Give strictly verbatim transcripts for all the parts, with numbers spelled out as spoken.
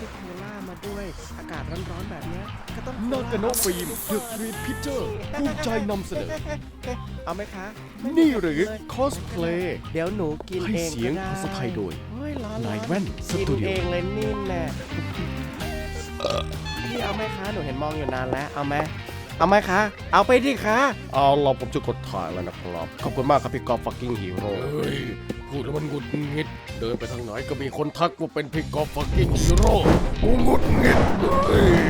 โคล่ามาด้วยอากาศร้อนๆแบบเนี้ยก็ต้องนากาโนะฟิล์มเดอะทรีพิเจอร์ภูมิใจนำเสนอเอาไหมคะนี่หรือคอสเพลย์เดี๋ยวหนูกินให้เองเสียงก็ได้ภาษาไทยโดยเฮ้ยร้อนๆนายแว่นสกินตูดิโอเองเลยนี่แน่พี่เอาไหมคะหนูเห็นมองอยู่นานแล้วเอาไหมเอาไหมคะเอาไปดิคะเอาเราผมจะกดถ่ายแล้วนะครับขอบคุณมากครับพี่กอล์ฟฟักกิ้งฮีโร่เฮ้ยพูดแล้วมันหงุดหงิดเดินไปทางไหนก็มีคนทักว่าเป็นพี่กอล์ฟฟักกิ้งฮีโร่กูหงุดหงิดเฮ้ย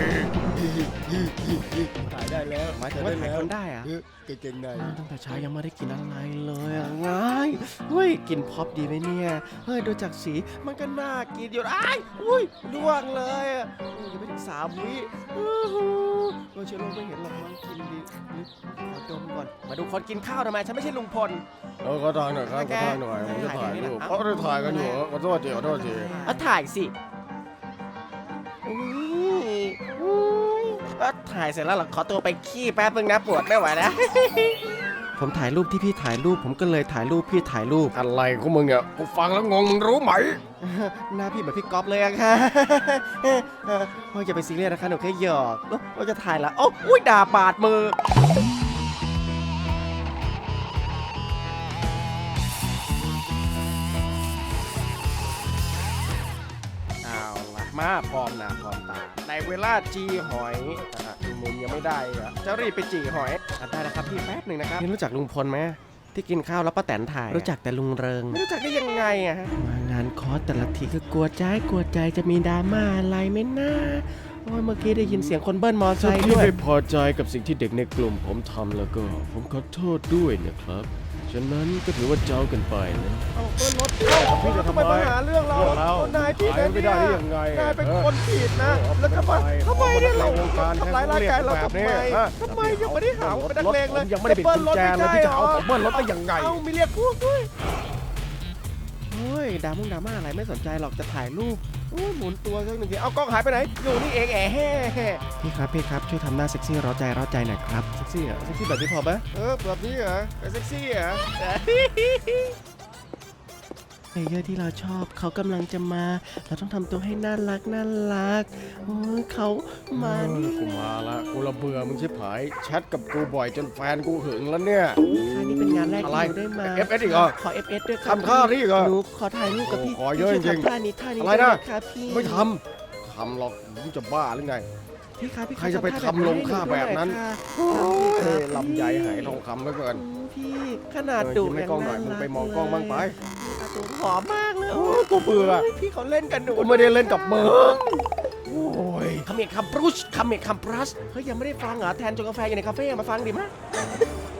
ถ่ายได้แล้วหมายถึงว่าถ่ายคนได้อะเออเก่งๆในตั้งแต่เช้ายังไม่ได้กินอะไรเลยอะง่ายเฮ้ยกินพ็อปดีไหมเนี่ยเฮ้ยดูจากสีมันก็น่ากินอยู่อ้ายอุ้ยล่วงเลยอะโอ้ยยังไม่ถึงสามวิอื้อหือโอ้ยเชื้อโรคไม่เห็นหรอกมั้งกินดีขอดมก่อนมาดูคนกินข้าวทำไมฉันไม่ใช่ลุงพลเออขอถ่ายหน่อยครับขอถ่ายหน่อยผมจะถ่ายรูปเขาได้ถ่ายกันอยู่ขอโทษทีขอโทษทีเอาถ่ายสิอุ้ยอุ้ยเอาถ่ายเสร็จแล้วเหรอขอตัวไปขี้แป๊บนึงนะปวดไม่ไหวนะ ผมถ่ายรูปที่พี่ถ่ายรูปผมก็เลยถ่ายรูปพี่ถ่ายรูปอะไรของมึงเนี่ยกูฟังแล้วงงมึงรู้ไหมหน้าพี่เหมือนพี่ก๊อฟเลยอะค่ะ โอ้ยอย่าไปซีเรียสนะคะหนูแค่หยอกโอ้เราจะถ่ายละโอ้อุ้ยด่าบาดมือเอาละมาพร้อมหน้าพร้อมตาในเวลาจีหอยอ่ะมุมยังไม่ได้อะจะรีบไปจีหอยอ่ะได้แล้วครับพี่แป๊บหนึ่งนะครับพี่รู้จักลุงพลไหมที่กินข้าวแล้วป้าแตนถ่ายรู้จักแต่ลุงเริงไม่รู้จักได้ยังไงอะฮะมางานคอร์สแต่ละทีก็กลัวใจกลัวใจจะมีดราม่าอะไรไหมนะโอ้ยเมื่อกี้ได้ยินเสียงคนเบิ้ลมอไซถ้าค์พี่ด้วยไม่พอใจกับสิ่งที่เด็กในกลุ่มผมทำแล้วก็ ผมขอโทษด้วยนะครับ ฉะนั้นก็ถือว่าเจ้ากันไปนะเอาเบิ้ลรถเอาพี่จะทำไมมาหาเรื่องเราเรื่องเราเอานายผิดขายนะไม่เนี่ได้ยได้ยังไงนายเป็นเออคนผิดนะ แล้วทำไมเอาทำไมเนี่ยเราเอาวงการทำร้ายร่างกายเราแบบทำนี้ไมฮะทำไมยังไม่ได้หาว่าเป็นนักเลงเลยผมยังไม่ได้ปิดกุญแจเลยที่จะเอาผมเบิ้ลรถได้ยังไงเอามีเรียกพวกด้วยเฮ้ยดราม่งดราม่าอะไรไม่สนใจหรอกจะถ่ายรูปโอ้ยหมุนตัวสักหนึ่งทีเอากล้องหายไปไหนอยู่นี่เองแอะแห่พี่ครับพี่ครับช่วยทำหน้าเซ็กซี่ร้าใจร้าใจหน่อยครับเซ็กซี่เหรอเซ็กซี่แบบนี้พอไหมเออแบบนี้เหรอเซ็กซี่เหรอ เพลเยอร์ที่เราชอบเขากำลังจะมา เราต้องทำตัวให้น่ารักน่ารักโอ้ยเขามาเออนี่กูมาละกูระเบื่อมึงชิบหายแชทกับกูบ่อยจนแฟนกูหึงแล้วเนี่ยค่ะนี่เป็นงานแรกอะไรที่หนูได้มาเอฟเอสอีกเหรอขอ เอฟ เอส ด้วยครับทำท่านี่อีกเหรอหนูขอถ่ายรูปกับพี่โอ้ขอเยอะพี่ช่วจริงๆทำท่านี้ท่านี้อะไรนะด้หมครับพี่ไม่ทำทำหรอกมึงจะบ้าหรือไงพี่ครับพี่ใครจะไปทำลงค่าแบบนั้นโอ้เอ้ยยลำใหญ่หายทองคำเหลือเกินพี่ขนาดเออดุยิ้มให้กล้องหน่อยมึงไปมองกล้องบ้างไปตัวผอมมากเลยโอ้ยกูเบื่อโยพี่เขาเล่นกันหนูกูไม่ได้เล่นกับมึงโอ้ยคำเมกคำปรุชคำเมกคำปรัสเฮ้ยยังไม่ได้ฟังเหรอแทนจงกาแฟอยู่ในคาเฟ่มาฟังดิมะ